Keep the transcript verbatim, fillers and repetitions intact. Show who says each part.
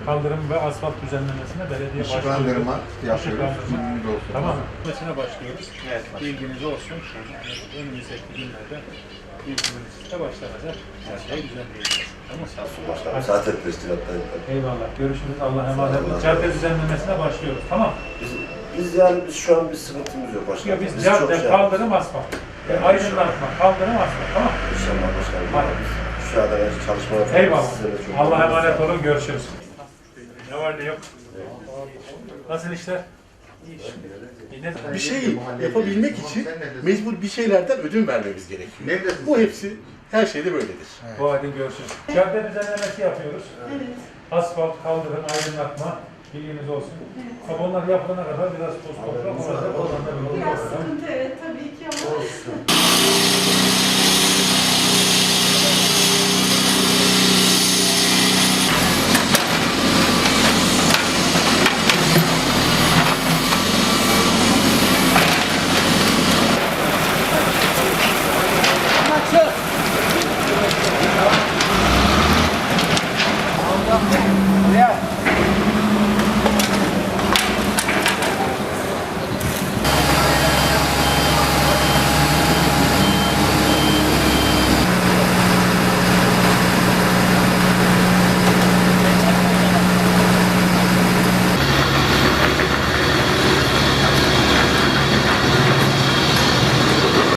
Speaker 1: kaldırım ve asfalt düzenlemesine belediye başlıyor.
Speaker 2: Işıklandırma yapıyoruz.
Speaker 1: Tamam. Mesela başlıyoruz. Evet. Bilginiz olsun. Önümüzdeki günlerde bilgimizle başlanacak. Her şey düzenleyeceğiz. Tamam.
Speaker 3: Sağ olsun başkanım. Zaten teşkilattan.
Speaker 1: Eyvallah. Görüşürüz. Allah emanet olun. Cadde düzenlemesine başlıyoruz. Tamam.
Speaker 3: Biz, biz yani biz şu an bir sıkıntımız yok başkanım.
Speaker 1: Ya biz,
Speaker 3: biz
Speaker 1: cadde,
Speaker 3: şey
Speaker 1: kaldırım, asfalt. Yani aydınlatma, kaldırım, asfalt. Tamam.
Speaker 3: İnşallah başkanım.
Speaker 1: Hadi.
Speaker 3: Biz şu anda çalışmalar falan
Speaker 1: Eyvallah.
Speaker 3: sizlere çok
Speaker 1: Allah'a emanet olun. Görüşürüz. Ne var ne yok. Nasıl işler?
Speaker 4: Bir şey yapabilmek için mecbur bir şeylerden ödün vermemiz gerekiyor. Bu hepsi her şeyde böyledir.
Speaker 1: Bu halde görüşürüz. Cadde düzenlemesi yapıyoruz.
Speaker 5: Evet.
Speaker 1: Asfalt, kaldırım, aydınlatma. Bilginiz olsun. Ama onlar yapılana kadar biraz toz toprak olacak. Oradan da bir
Speaker 5: Biraz sıkıntı evet tabii ki ama